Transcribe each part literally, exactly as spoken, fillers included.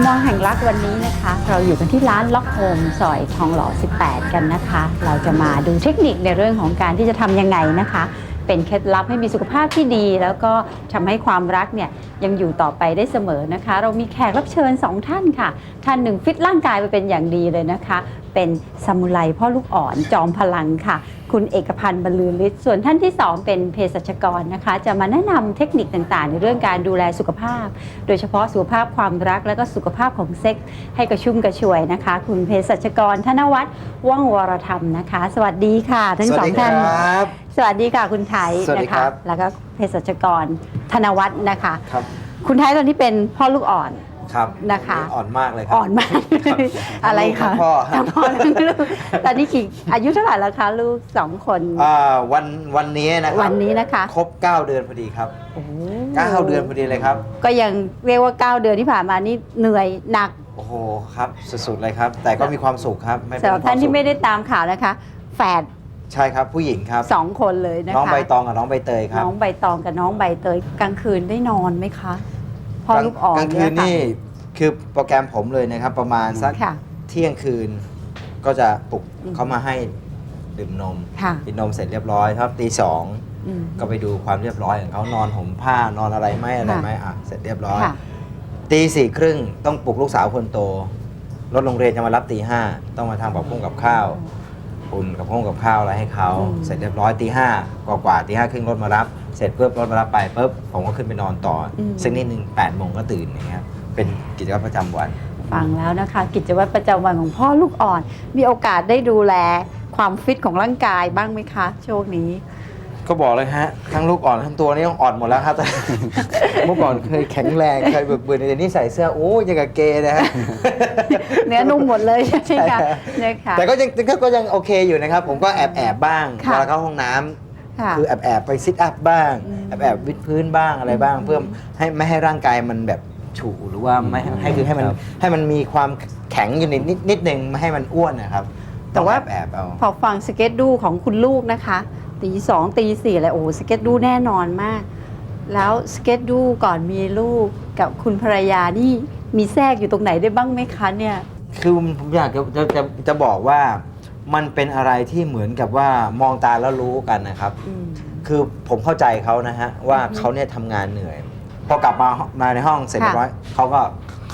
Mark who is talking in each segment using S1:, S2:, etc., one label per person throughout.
S1: มองแห่งรักวันนี้นะคะเราอยู่กันที่ร้านล็อกโฮมซอยทองหล่อสิบแปดกันนะคะเราจะมาดูเทคนิคในเรื่องของการที่จะทำยังไงนะคะเป็นเคล็ดลับให้มีสุขภาพที่ดีแล้วก็ทำให้ความรักเนี่ยยังอยู่ต่อไปได้เสมอนะคะเรามีแขกรับเชิญสองท่านค่ะท่านหนึ่งฟิตร่างกายไปเป็นอย่างดีเลยนะคะเป็นซามูไรพ่อลูกอ่อนจอมพลังค่ะคุณเอกพันธ์บรรลือฤทธิ์ส่วนท่านที่สองเป็นเภสัชกรนะคะจะมาแนะนำเทคนิคต่างๆในเรื่องการดูแลสุขภาพโดยเฉพาะสุขภาพความรักและก็สุขภาพของเซ็กส์ให้กระชุ่มกระชวยนะคะคุณเภสัชกรธนวัฒน์ว่องวรธรรมนะคะสวัสดีค่ะทั้งสองท่านสวัสดีค่ะคุณไทยนะคะแล้วก็เภสัชกรธนวัฒน์นะคะคุณไทยตอนนี้เป็นพ่อลูกอ่อน
S2: ครับ
S1: นะคะ
S2: อ่อนมากเลยครับ
S1: อ่อนมากอะไรคะ
S2: พ่อ
S1: พ่อลูกตอนนี้กี่อายุเท่าไหร่แล้วคะลูกสองคน
S2: อ่าวันวันนี้นะครับ
S1: วันนี้นะคะ
S2: ครบเก้าเดือนพอดีครับเก้าเดือนพอดีเลยครับ
S1: ก็ยังเรียกว่าเก้าเดือนที่ผ่านมานี่เหนื่อยหนัก
S2: โอ้โหครับสุดๆเลยครับแต่ก็มีความสุขครับ
S1: สำหรับท่านที่ไม่ได้ตามข่าวนะคะแฝด
S2: ใช่ครับผู้หญิงครับ
S1: สองคนเลยนะคะ
S2: น้องใบตองกับน้องใบเตยครับ
S1: น้องใบตองกับน้องใบเตยกลางคืนได้นอนไหมคะพอลูกอ่อน
S2: กลางคืนนี่คือโปรแกรมผมเลยนะครับประมาณสักเที่ยงคืนก็จะปลุกเขามาให้ดื่มนมกินนมเสร็จเรียบร้อยครับตีสองก็ไปดูความเรียบร้อยของเขานอนห่มผ้านอนอะไรไหมอะไรไหมอ่ะเสร็จเรียบร้อยตีสี่ครึ่งต้องปลุกลูกสาวคนโตรถโรงเรียนจะมารับตีห้าต้องมาทำกับพุ่งกับข้าวอุ่นกับพุ่งกับข้าวอะไรให้เขาเสร็จเรียบร้อยตีห้ากว่ากว่าตีห้าครึ่งรถมารับเสร็จเพิ่มรถมารับไปปุ๊บผมก็ขึ้นไปนอนต่อซึ่งนิดนึงแปดโมงก็ตื่นอย่างเงี้ยเป็นกิจวัตรประจำวัน
S1: ฟังแล้วนะคะกิจวัตรประจำวันของพ่อลูกอ่อนมีโอกาสได้ดูแลความฟิตของร่างกายบ้างไหมคะช่วงนี้
S2: ก็บอกเลยฮะทั้งลูกอ่อนทั้งตัวนี่ต้องอ่อนหมดแล้วครับเมื่อก่อนเคยแข็งแรงเคยเบิกบืนแต่นี่ใส่เสื้อโอ้ยังกับเกย์นะฮะ
S1: เนื้อนุ่มหมดเลยใช่ไหมคะ
S2: แต่ก็ยังก็ยังโอเคอยู่นะครับผมก็แอบแอบบ้างเวลาเข้าห้องน้ำคือแอบแอบไปซิทอัพบ้างแอบแอบวิดพื้นบ้างอะไรบ้างเพื่อให้ไม่ให้ร่างกายมันแบบฉู่หรือว่าไม่ให้คือให้มันให้มันมีความแข็งอยู่นิดนิดนึงไม่ให้มันอ้วนนะครับ
S1: แต่ว่าแอบเอาพอฟังสเก็ตดูของคุณลูกนะคะตีสองตีสี่อะไรโอ้สเก็ตดูแน่นอนมากแล้วสเก็ตดูก่อนมีลูกกับคุณภรรยานี่มีแทรกอยู่ตรงไหนได้บ้างไหมคะเนี่ย
S2: คือผมอยากจะจะจะจะบอกว่ามันเป็นอะไรที่เหมือนกับว่ามองตาแล้วรู้กันนะครับคือผมเข้าใจเขานะฮะว่าเขาเนี่ยทำงานเหนื่อยพอกลับมามาในห้องเสร็จเรียบร้อยเขาก็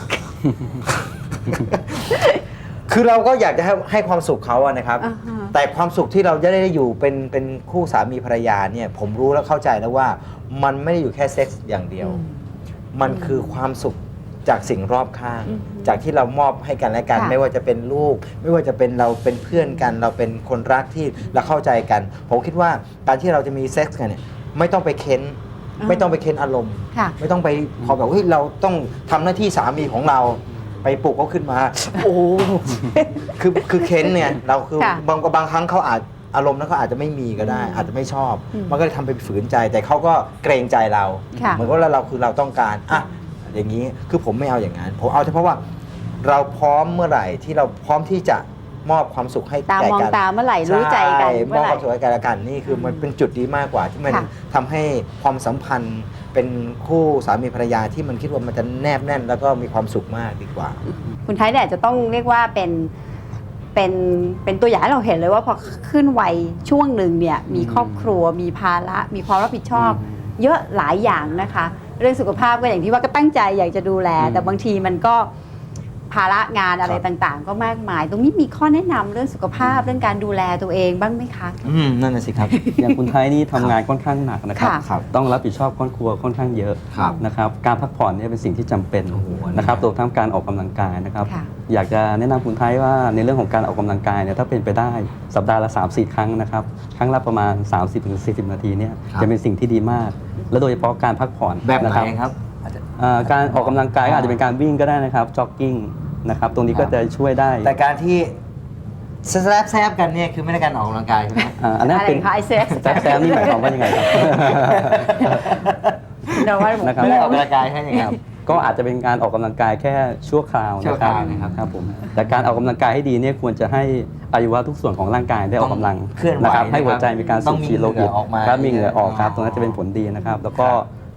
S2: คือเราก็อยากจะให้ให้ความสุขเขาอะนะครับ uh-huh. แต่ความสุขที่เราจะได้อยู่เป็นเป็นคู่สามีภรรยาเนี่ยผมรู้แล้วเข้าใจแล้วว่ามันไม่ได้อยู่แค่เซ็กส์อย่างเดียว uh-huh. มันคือความสุขจากสิ่งรอบข้าง uh-huh. จากที่เรามอบให้กันและกัน uh-huh. ไม่ว่าจะเป็นลูกไม่ว่าจะเป็นเราเป็นเพื่อนกันเราเป็นคนรักที่เราเข้าใจกันผมคิดว่าการที่เราจะมีเซ็กส์กันเนี่ยไม่ต้องไปเค้นไม่ต้องไปเค้นอารมณ์ไม่ต้องไปพอแบบเฮ้ยเราต้องทำหน้าที่สามีของเราไปปลุกเขาขึ้นมาโอ้คือคือเค้นเนี่ยเราคือบางบางครั้งเขาอาจอารมณ์นั้นเขาอาจจะไม่มีก็ได้อาจจะไม่ชอบมันก็เลยทำไปฝืนใจแต่เขาก็เกรงใจเราเหมือนว่าเราคือเราต้องการอ่ะอย่างนี้คือผมไม่เอาอย่างนั้นผมเอาเฉพาะว่าเราพร้อมเมื่อไหร่ที่เราพร้อมที่จะมอบความสุขให้แก่กันตามอง
S1: ตาเมื่อไหร่รู้ใจกัน
S2: มอบความสุขให้กันและกันนี่คือมันเป็นจุดดีมากกว่าที่มันทำให้ความสัมพันธ์เป็นคู่สามีภรรยาที่มันคิดว่ามันจะแนบแน่นแล้วก็มีความสุขมากดีกว่า
S1: คุณไทยเนี่ยจะต้องเรียกว่าเป็นเป็นเป็นตัวอย่างให้เราเห็นเลยว่าพอขึ้นวัยช่วงหนึ่งเนี่ยมีครอบครัวมีภาระมีความรับผิดชอบเยอะหลายอย่างนะคะเรื่องสุขภาพก็อย่างที่ว่าก็ตั้งใจอยากจะดูแลแต่บางทีมันก็ภาระงานอะไรต่างๆก็มากมายตรงนี้มีข้อแนะนำเรื่องสุขภาพเรื่องการดูแลตัวเองบ้างไหมคะ
S2: อืมนั่นน่ะสิครับ
S3: อย่างคุณไทยนี่ทำงานค่อนข้างหนักนะครับต้องรับผิดชอบครอบครัวค่อนข้างเยอะนะครับการพักผ่อนเนี่ยเป็นสิ่งที่จำเป็นนะครับรวมทั้งการออกกำลังกายนะครับอยากจะแนะนำคุณไทยว่าในเรื่องของการออกกำลังกายเนี่ยถ้าเป็นไปได้สัปดาห์ละ สามถึงสี่ ครั้งนะครับครั้งละประมาณ สามสิบถึงสี่สิบ นาทีเนี่ยจะเป็นสิ่งที่ดีมากและโดยเฉพาะการพักผ่อน
S2: แบบไหนครับ
S3: การออกกำลังกายอาจจะเป็นการวิ่งก็ได้นะครับจ็อกกิ้งนะครับตรงนี้ก็จะช่วยได้
S2: แต่การที่แซบแซบกันเนี่ยคือไม่ได้การออกกำลังกายใช่ไหม
S3: อันนั้นเป็น
S1: แซบ
S3: แซบนี่หมายความว่ายังไงครับ
S2: นะครับไม่ได้ออกกำลังกายแค่ยังไง
S3: ก็อาจจะเป็นการออกกำลังกายแค่ชั่วคราว
S2: นะครับ
S3: ครับผมแต่การออกกำลังกายให้ดีเนี่ยควรจะให้อวัยวะทุกส่วนของร่างกายได้ออกกำลังนะครับให้หัวใจมีการสูบฉีดโลหิตและมีเหงื่อออกครับตรงนั้นจะเป็นผลดีนะครับแล้วก็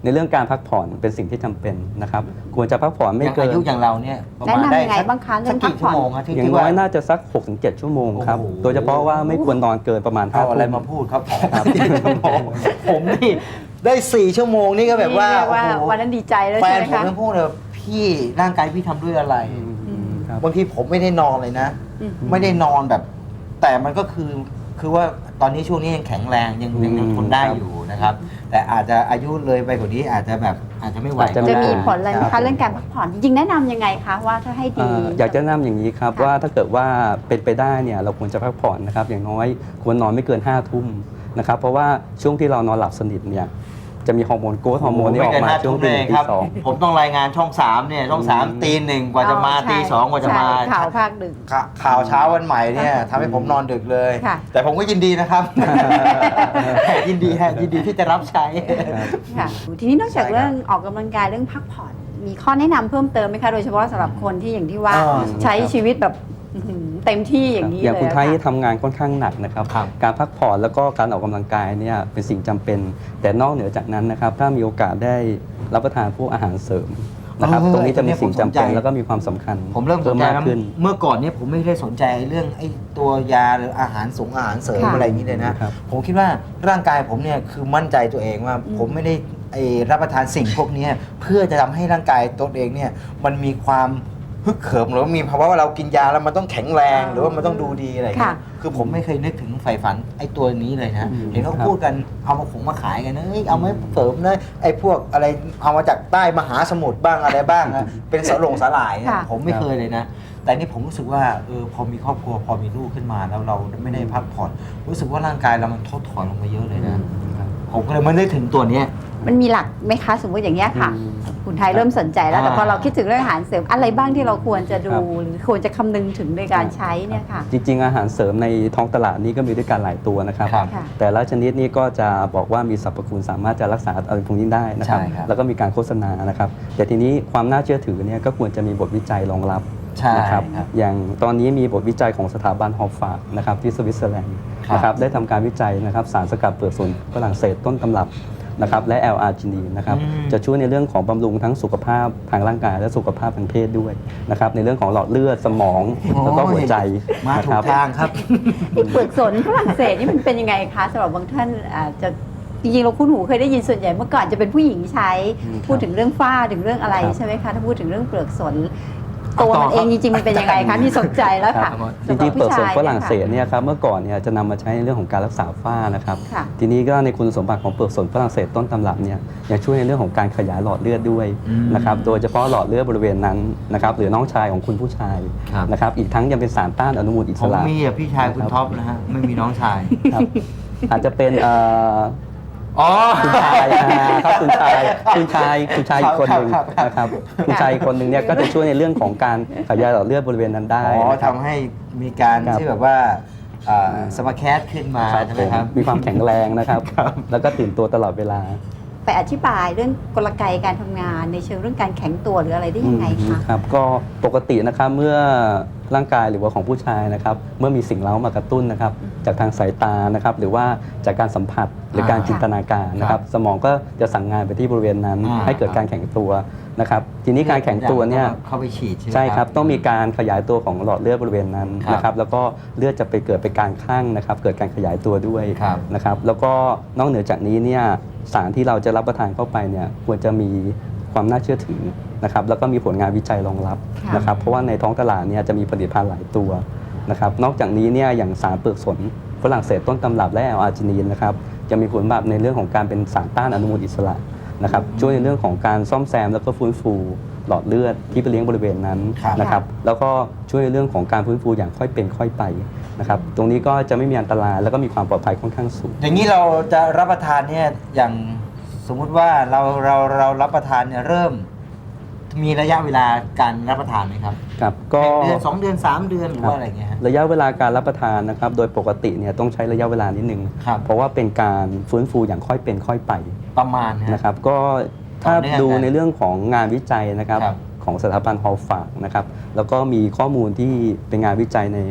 S3: ในเรื่องการพักผ่อนเป็นสิ่งที่จำเป็นนะครับควรจะพักผ่อนไม่
S2: อย่าง
S3: เกิน
S2: อายุอย่างเราเนี่ยประมาณ
S1: แนะนำ
S2: ได้
S1: ยังไง
S2: สัก
S1: บ้างคะเรื่
S2: สั
S1: อก ง
S2: กี่
S1: พักผ่
S2: ชั่
S1: อน
S2: วโมงครับที่
S3: อย่าง
S2: ที่
S3: น้
S2: ว่า
S3: อยน่าจะสัก หกถึงเจ็ด ชั่วโมงครับ
S2: โอ้โห
S3: โดยเฉพาะว่าไม่ควรนอนเกินประมาณห้า
S2: เอาอะไร
S3: ทุ่ม
S2: มาพูดครับผมชั่วโมงผมนี่ได้สี่ชั่วโมงนี่ก็แบบว่า
S1: เรียกว่า
S2: โอ้โห
S1: วันนั้นดีใจแล้ว
S2: แฟ
S1: ใช่
S2: น
S1: ไหม
S2: ผม
S1: คะ
S2: ยังพูดเลยพี่ร่างกายพี่ทำด้วยอะไร
S3: อืมครับ
S2: บางทีผมไม่ได้นอนเลยนะ
S1: อืม
S2: ไม่ได้นอนแบบ แต่มันก็คือคือว่าตอนนี้ช่วงนี้ยังแข็งแรงยังยังยังทนได้อยู่นะครับ แต่อาจจะอายุเลยไปกว่านี้อาจจะแบบอาจจะไม่ไหว
S3: อาจจะ
S1: จะ
S3: ไ
S1: มีผลอะไรไหม
S3: ครั
S1: คะ
S3: บ
S1: เรื่องการพักผ่อนจริงๆแนะนำยังไงคะว่าถ้าให้ดี
S3: เอ่ออยากจะแนะนำอย่างนี้ครับ
S1: ค่ะ
S3: ว่าถ้าเกิดว่าเป็นไปได้เนี่ยเราควรจะพักผ่อนนะครับอย่างน้อยควรนอนไม่เกินห้าทุ่มนะครับเพราะว่าช่วงที่เรานอนหลับสนิทเนี่ยจะมีฮอร์โมนโกรทฮอร์โมนที่ออกมาช่วงตีหนึ่งตีสอง
S2: ผมต้องรายงานช่องสามเนี่ยช่องสาม
S3: อืม
S2: ตีหนึ่งกว่าจะมา
S1: อ๋อใช่
S2: ตีสองกว่าจะมา
S1: ใช่ข่าวภาคดึก
S2: ข่าข่าวเช้าวันใหม่เนี่ยทำให้ผมนอนดึกเลย
S1: ค่ะ
S2: แต่ผมก็ยินดีนะครับ ยินดีฮะยินดีที่จะรับใช้
S1: ค่ะทีนี้นอกจาก
S2: ใช่ครับ
S1: เรื่องออกกำลังกายเรื่องพักผ่อน มีข้อแนะนำเพิ่มเติมไหมคะ โดยเฉพาะสำหรับคนที่อย่างที่ว่า
S2: อ่า
S1: ใช้ชีวิตแบบอื้อหือเต็มที่อย่างนี้
S3: อย่าง
S1: เลย
S3: คุณไทย
S1: อะ
S3: ทำงานค่อนข้างหนักนะครับ
S2: ครับ
S3: การพักผ่อนแล้วก็การออกกำลังกายเนี่ยเป็นสิ่งจำเป็น แต่นอกเหนือจากนั้นนะครับถ้ามีโอกาสได้รับประทานพวกอาหารเสริมนะครับ
S2: เออ
S3: ตรงนี้จะมีสิ่งจำเป็น
S2: ผมสนใจ
S3: แล้วก็มีความสำคัญ
S2: ผมเริ่มสนใจ
S3: มาก
S2: แล้ว
S3: ขึ้น
S2: เมื่อก่อนเนี่ยผมไม่ได้สนใจเรื่องไอ้ตัวยาหรืออาหารสงอาหารเสริม
S1: ค่ะ
S2: อะไรอย่างนี้เลยนะ
S3: ครับ
S2: ผมคิดว่าร่างกายผมเนี่ยคือมั่นใจตัวเองว่า
S1: อืม
S2: ผมไม่ได้ไอ้รับประทานสิ่งพวกเนี้ยเพื่อจะทำให้ร่างกายตัวเองเนี่ยมันมีความฮึกเหิมหรือว่ามีภาวะว่าเรากินยาแล้วมันต้องแข็งแรง
S1: อ่า
S2: หรือว่ามันต้องดูดีอะไรอย่างเงี้ย
S1: ค่ะ
S2: คือผมไม่เคยนึกถึงใฝ่ฝันไอ้ตัวนี้เลยนะ
S3: อืม
S2: เห็นเขา
S3: ครับ
S2: พูดกันเอามาขงมาขายกันนะเอ้ยเอามาเสริมนะไอ้พวกอะไรเอามาจากใต้มหาสมุทรบ้างอะไรบ้างนะเป็นสลงสลายนะ
S1: ค่ะ
S2: ผมไม่เคยเลยนะ แต่นี่ผมรู้สึกว่าเออพอมีครอบครัวพอมีลูกขึ้นมาแล้วเราไม่ได้พักผ่อนรู้สึกว่าร่างกายเรามันทดถอนลงมาเยอะเลยนะ
S3: ครับ
S2: ผมก็เลยไม่ได้ถึงตัวเนี้ย
S1: มันมีหลักไหมคะ สมมติอย่างเงี้ยค่ะ
S3: อืม
S1: คุณไทยเริ่มสนใจแล้ว แต่
S2: อ่า
S1: พอเราคิดถึงเรื่องอาหารเสริมอะไรบ้างที่เราควรจะดู
S3: ครับ
S1: หรือควรจะคำนึงถึงในการใช้เนี่ยค่ะ
S3: จริงๆ อาหารเสริมในท้องตลาดนี้ก็มีด้วยกันหลายตัวนะครับ
S2: ครับ
S1: ค่ะ
S3: แต่ละชนิดนี้ก็จะบอกว่ามีสรรพคุณสามารถจะรักษาอะไรพวกนี้ได้นะครับ
S2: ใช่ครับ
S3: แล้วก็มีการโฆษณานะครับ แต่ทีนี้ความน่าเชื่อถือเนี่ยก็ควรจะมีบทวิจัยรองรับ
S2: ใช่
S3: นะครับ
S2: ครับ
S3: อย่างตอนนี้มีบทวิจัยของสถาบันฮอลฟาร์นะครับที่สวิตเซอร์แลนด์
S2: ครับ
S3: นะครับได้ทำการวิจัยนะครับสารสกัดเปลือกสนฝรั่งเศสต้นตำรับนะครับและ แอล อาร์ จินีนนะครับ
S2: อืม
S3: จะช่วยในเรื่องของบำรุงทั้งสุขภาพทางร่างกายและสุขภาพทางเพศด้วยนะครับในเรื่องของหลอดเลือดสมองแล้วก็หัวใจ
S2: มา
S3: นะ
S2: ถู
S3: ค
S2: ก
S3: รับ
S2: ทางครับ
S1: ไอ้เปลือกสนฝรั่งเศสนี่มันเป็นยังไงคะสำหรับบางท่านอาจจะจริงๆเราคุ้นหูเคยได้ยินส่วนใหญ่เมื่อก่อนจะเป็นผู้หญิงใช้
S3: อืม
S1: พูดถึงเรื่องฝ้าถึงเรื่องอะไร
S3: ครับ
S1: ใช่ไหมคะถ้าพูดถึงเรื่องเปลือกสน
S2: เอา
S1: ตัว
S2: ต่อ
S1: มันเอง
S2: ครับ
S1: จริงๆมันเป็นยังไงคะนี่สนใจแล้วค่ะ
S3: ครับจ
S1: สำห
S3: ริ
S1: บ
S3: งๆเปลือกสน
S1: ผู้ชาย
S3: ฝรั่งเศส
S1: นี่ย
S3: เนี่ยครับเมื่อก่อนเนี่ยจะนำมาใช้ในเรื่องของการรักษาฝ้านะครับ
S1: ค่ะ
S3: ทีนี้ก็ในคุณสมบัติของเปลือกสนฝรั่งเศสต้นตำรับเนี่ยยังช่วยในเรื่องของการขยายหลอดเลือดด้วย
S2: อืม
S3: นะครับโดยเฉพาะหลอดเลือดบริเวณนั้นนะครับหรือน้องชายของคุณผู้ชาย
S2: ครับ
S3: นะครับอีกทั้งยังเป็นสารต้านอนุมูลอิ
S2: ผ
S3: ส
S2: ม
S3: ระ
S2: มีอ่ะพี่ชายคุณท็อปนะฮะไม่มีน้องชาย
S3: ครับอาจจะเป็นเอ่อ
S2: อ๋อ
S3: คุณชายอ่าครับคุณชายคุณชายคุณชายอีกคนหนึ่ง
S2: ครับครับ
S3: นะครับคุณชายอีกคนหนึ่งเนี่ยก็จะช่วยในเรื่องของการขยายหลอดเลือดบริเวณนั้นได้
S2: อ๋อ
S3: นะครับ
S2: ทำให้มีการ
S3: ครับ
S2: ที่แบบว่าอ่าสมาแคสขึ้นมา
S3: ครับ
S2: ใช่ไห
S3: ผม ม
S2: ครับ
S3: มีความแข็งแรงนะครับ
S2: ครับ
S3: แล้วก็ตื่นตัวตลอดเวลา
S1: ไปอธิบายเรื่องกลไกการทำงานในเชิงเรื่องการแข็งตัวหรืออะไรได้ยังไง
S3: อื
S1: คะ
S3: มครับก็ปกตินะครับเมื่อร่างกายหรือว่าของผู้ชายนะครับเมื่อมีสิ่งเร้ามากระตุ้นนะครับจากทางสายตานะครับหรือว่าจากการสัมผัสหรือการ
S2: อ่า
S3: จินตนาการนะครับสมองก็จะสั่งงานไปที่บริเวณนั้น
S2: อ่า
S3: ให้เกิดการแข็งตัวนะครับทีนี้การแข็งตัวเนี่ย
S2: เข้าไปฉีดใช่ไหม
S3: ใช่ครับต้องมีการขยายตัวของหลอดเลือดบริเวณนั้น
S2: ครับ
S3: นะครับแล้วก็เลือดจะไปเกิดไปการคลั่งนะครับเกิดการขยายตัวด้วย
S2: ครับ
S3: นะครับแล้วก็นอกเหนือจากนี้เนี่ยสารที่เราจะรับประทานเข้าไปเนี่ยควรจะมีความน่าเชื่อถือนะครับแล้วก็มีผลงานวิจัยรองรับ
S1: ค่ะ
S3: นะครับเพราะว่าในท้องตลาดเนี่ยจะมีผลิตภัณฑ์หลายตัวนะครับนอกจากนี้เนี่ยอย่างสารเปลือกสนฝรั่งเศสต้นตำรับและแอลอาร์จินีนนะครับจะมีผลแบบในเรื่องของการเป็นสารต้านอนุมูลอิสระนะครับช่วยในเรื่องของการซ่อมแซมแล้วก็ฟื้นฟูหลอดเลือดที่ไปเลี้ยงบริเวณนั้น
S2: ครับ
S3: นะครับแล้วก็ช่วยในเรื่องของการฟื้นฟูอย่างค่อยเป็นค่อยไปนะครับตรงนี้ก็จะไม่มีอันตรายแล้วก็มีความปลอดภัยค่อนข้างสูง
S2: อย่างนี้เราจะรับประทานเนี่ยอย่างสมมุติว่าเราเราเรารับประทานเนี่ยเริ่ม มีระยะเวลาการรับประทานไหมครับ
S3: ครับก็
S2: เดือนสองเดือนสามเดือนหรือว่าอะไรเงี้ยฮะ
S3: ระยะเวลาการรับประทานนะครับโดยปกติเนี่ยต้องใช้ระยะเวลานิดนึง
S2: ครับ
S3: เพราะว่าเป็นการฟื้นฟูอย่างค่อยเป็นค่อยไป
S2: ประมาณฮะ
S3: นะครับก็ถ้า
S2: ต่อเนื่อง
S3: ดู
S2: กัน
S3: ในเรื่องของงานวิจัยนะครับ
S2: ครับ
S3: ของสถาบันฮอลฟาร์นะครับแล้วก็มีข้อมูลที่เป็นงานวิจัยใน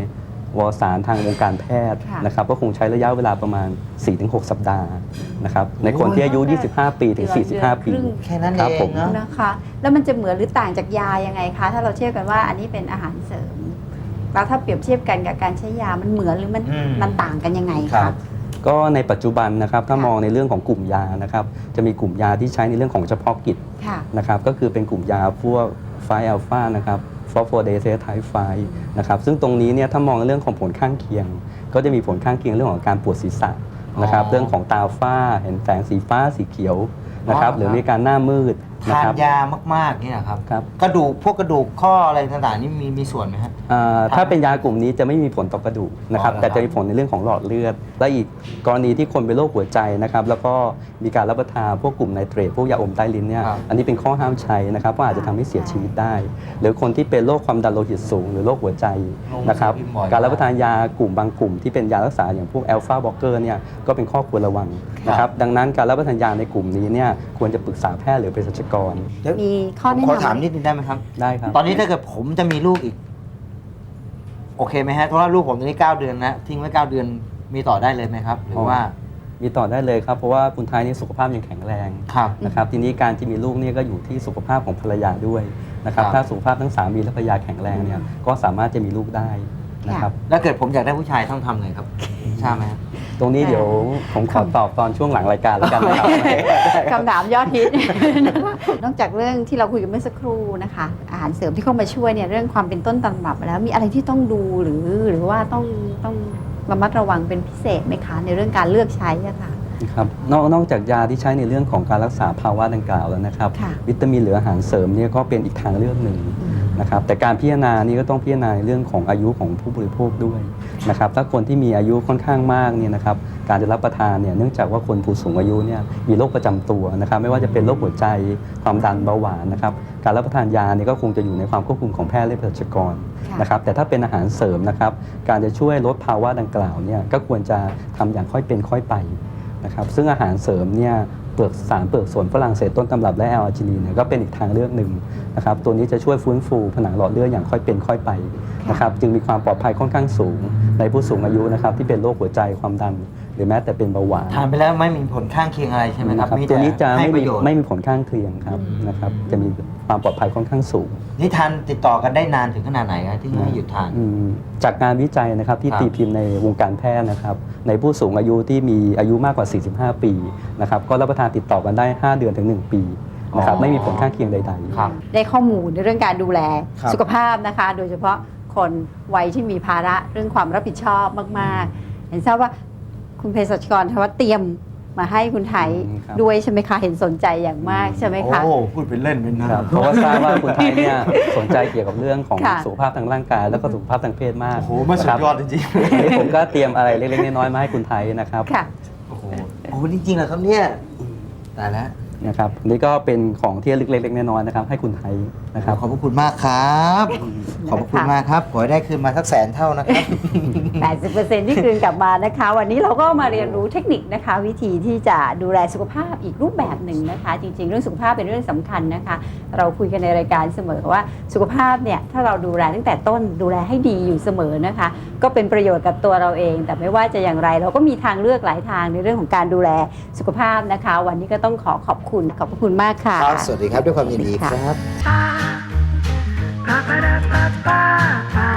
S3: วารสารทางวงการแพทย์
S1: ค่ะ
S3: นะครับก็คงใช้ระยะเวลาประมาณ สี่ถึงหก สัปดาห์นะครับในคนที่อายุ ยี่สิบห้า ปีถึง สี่สิบห้า ปี
S2: แค่นั้น
S3: ครับ
S2: เอ
S3: ผ
S2: ง
S3: ม
S2: เนาะ
S1: นะคะ แล้วมันจะเหมือนหรือต่างจากยายังไงคะถ้าเราเทียบกันว่าอันนี้เป็นอาหารเสริมแล้วถ้าเปรียบเทียบกันกับการใช้ยามันเหมือนหรือมัน
S2: อืม
S1: มันต่างกันยังไง
S2: ครั
S1: คะ
S2: บ
S3: ก็ในปัจจุบันนะครับถ้า
S1: ค่ะ
S3: มองในเรื่องของกลุ่มยานะครับจะมีกลุ่มยาที่ใช้ในเรื่องของเฉพาะกิจ
S1: ค่ะ
S3: นะครับก็คือเป็นกลุ่มยาพวกไฟอัลฟานะครับฟอสโฟเดเซไทไฟนะครับซึ่งตรงนี้เนี่ยถ้ามองในเรื่องของผลข้างเคียง ก็จะมีผลข้างเคียงเรื่องของการปวดศีรษะนะครับ
S2: อ๋อ
S3: เรื่องของตาฝ้าเห็นแสงสีฟ้าสีเขียวนะครับ
S2: อ๋อ
S3: หรือมีการหน้ามืดนะ
S2: ทาน
S3: ครับ
S2: ยามากๆเนี่ยครับ
S3: ครับ
S2: กระดูกพวกกระดูกข้ออะไรต่างๆนี่มีมีส่วนไหมฮะ
S3: อ่าถ้าเป็นยากลุ่มนี้จะไม่มีผลต่อกระดูกนะครับ
S2: อ๋อเหรอครับ
S3: แต่จะมีผลในเรื่องของหลอดเลือด และอีกกรณีที่คนเป็นโรคหัวใจนะครับแล้วก็มีการรับประทานพวกกลุ่มไนเตรตพวกยาอมใต้ลิ้นเนี่ย
S2: ครับ
S3: อันนี้เป็นข้อห้ามใช้นะครับเพราะอาจจะทำให้เสียชีวิตได้ หรือคนที่เป็นโรคความดันโลหิตสูง หรือโรคหัวใจนะครับการรับประทานยากลุ่มบางกลุ่มที่เป็นยารักษาอย่างพวกแอลฟาบล็อกเกอร์เนี่ยก็เป็นข้อควรระวังนะครับดังนั้นการรับประทานยาในกลุ่มนี้เนี่ยควรจะปรึกษาแพทย์หรือเภสัชกร
S2: เดี๋ยว
S1: มีข้อ
S2: ผม
S1: แนะ
S2: ขอน
S1: ำ
S2: ถามนิดนึงได้ไหมครับ
S3: ได้ครับ
S2: ตอนนี้ถ้าเกิดผมจะมีลูกอีก โอเคไหมฮะเพราะว่าลูกผมตอนนี้เก้าเดือนนะทิ้งไว้เก้าเดือนมีต่อได้เลยไหมครับ หรือว่า
S3: มีต่อได้เลยครับเพราะว่าคุณไทยนี่สุขภาพยังแข็งแรง
S2: ครับ
S3: นะครับทีนี้การที่มีลูกเนี่ยก็อยู่ที่สุขภาพของภรรยาด้วยนะครับ
S2: ครับ
S3: ถ้าสุขภาพทั้งสามีและภรรยาแข็งแรงเนี่ยก็สามารถจะมีลูกได้นะครับ
S2: แล้วเกิดผมอยากได้ผู้ชายต้องทำไงครับทราบไหมฮะ
S3: ตรงนี้เดี๋ยวผมขอตอบตอนช่วงหลังรายการแล้วกันนะครับ
S1: คำถามยอดฮิต นอกจากเรื่องที่เราคุยกันเมื่อสักครู่นะคะ อาหารเสริมที่เข้ามาช่วยเนี่ยเรื่องความเป็นต้นตำรับแล้วมีอะไรที่ต้องดูหรือหรือว่าต้องต้องระมัดระวังเป็นพิเศษไหมคะในเรื่องการเลือกใช้อะค่ะ
S3: ครับนอกนอกจากยาที่ใช้ในเรื่องของการรักษาภาวะดังกล่าวแล้วนะครับ
S1: ค่ะ
S3: วิตามินหรืออาหารเสริมเนี่ยก็เป็นอีกทางเลือกหนึ่งนะครับแต่การพิจารณานี่ก็ต้องพิจารณาในเรื่องของอายุของผู้บริโภคด้วยนะครับถ้าคนที่มีอายุค่อนข้างมากเนี่ยนะครับการจะรับประทานเนี่ยเนื่องจากว่าคนผู้สูงอายุเนี่ยมีโรคประจำตัวนะครับไม่ว่าจะเป็นโรคหัวใจความดันเบาหวานนะครับการรับประทานยาเนี่ยก็คงจะอยู่ในความควบคุมของแพทย์และเภสัชกร
S1: ค่ะ
S3: นะครับแต่ถ้าเป็นอาหารเสริมนะครับการจะช่วยลดภาวะดังกล่าวเนี่ยก็ควรจะทำอย่างค่อยเป็นค่อยไปนะครับซึ่งอาหารเสริมเนี่ยเปลือกสารเปลือกสนฝรั่งเศสต้นตำรับและแอลอาร์จินีนเนี่ยก็เป็นอีกทางเลือกหนึ่งนะครับตัวนี้จะช่วยฟื้นฟูผนังหลอดเลือดอย่างค่อยเป็นค่อยไปนะครับจึงมีความปลอดภัยค่อนข้างสูงในผู้สูงอายุนะครับที่เป็นโรคหัวใจความดัน หรือแม้แต่เป็นเบาหวาน
S2: ทานไปแล้วไม่มีผลข้างเคียงอะไรใช่ไหมครับ
S3: นะครับ
S2: มี
S3: ตัว
S2: แต่
S3: นี้จะ
S2: ให้
S3: ไม่
S2: ป
S3: มี
S2: ระโยชน์
S3: ไม่มีผลข้างเคียงครับ
S2: อืม
S3: นะครับจะมีความปลอดภัยค่อนข้างสูง
S2: นี่ทานติดต่อกันได้นานถึงขนาดไหนครับที่ไม่หยุดทาน
S3: อืมจากการวิจัยนะครับที่
S2: ครับ
S3: ตีพิมพ์ในวงการแพทย์นะครับในผู้สูงอายุที่มีอายุมากกว่า สี่สิบห้า ปีนะครับก็รับประทานติดต่อกันได้ ห้า เดือนถึง หนึ่ง ปีนะครับ
S2: อ๋อ
S3: ไม่มีผลข้างเคียงใดๆ
S2: ครับ
S1: ได้ข้อมูลในเรื่องการดูแล
S2: ครับ
S1: สุขภาพนะคะ โดยเฉพาะคนวัยที่มีภาระเรื่องความรับผิดชอบมากๆ เห็นทราบว่าคุณเภสัชกรทว่าเตรียมมาให้คุณไทย
S3: อืมครับ
S1: ด้วยใช่ไหมคะ เห็นสนใจอย่างมากใช่ไหมคะ
S2: โอ้พูดเป็นเล่นเป็นนะครับ
S3: เพราะว่าทราบว่าคุณไทยเนี่ยสนใจเกี่ยวกับเรื่องของ
S1: ค่ะ
S3: สุขภาพทางร่างกาย แล้วก็สุขภาพทางเพศมาก
S2: โอ้โหมันสุดยอดจริง
S3: วันนี้ผมก็เตรียมอะไรเล็กๆน้อยๆมาให้คุณไทยนะครับ
S1: ค่ะ
S2: ๆโอ้โหโอ้โหจริงๆเหรอครับเนี่ยตายแล้ว
S3: นะครับนี่ก็เป็นของที่เล็กๆน้อยๆนะครับให้คุณไทยนะครับ
S2: ขอบพระคุณมากครับ ขอบพระคุณมากครับขอให้ได้คืนมาสักแสนเท่านะครับ
S1: แปดสิบเปอร์เซ็นต์ ที่คืนกลับมานะคะ วันนี้เราก็มาเรียนรู้เทคนิคนะคะ วิธีที่จะดูแลสุขภาพอีกรูปแบบหนึ่งนะคะ จริง ๆ เรื่องสุขภาพเป็นเรื่องสำคัญนะคะ เราคุยกันในรายการเสมอว่าสุขภาพเนี่ยถ้าเราดูแลตั้งแต่ต้นดูแลให้ดีอยู่เสมอนะคะ ก็เป็นประโยชน์กับตัวเราเอง แต่ไม่ว่าจะอย่างไรเราก็มีทางเลือกหลายทางในเรื่องของการดูแลสุขภาพนะคะ วันนี้ก็ต้องขอขอบคุณขอบพระคุณมากค่ะ
S2: ครับ สวัสดีครับด้วยความยินดีครับ
S4: Ba ba da ba ba ba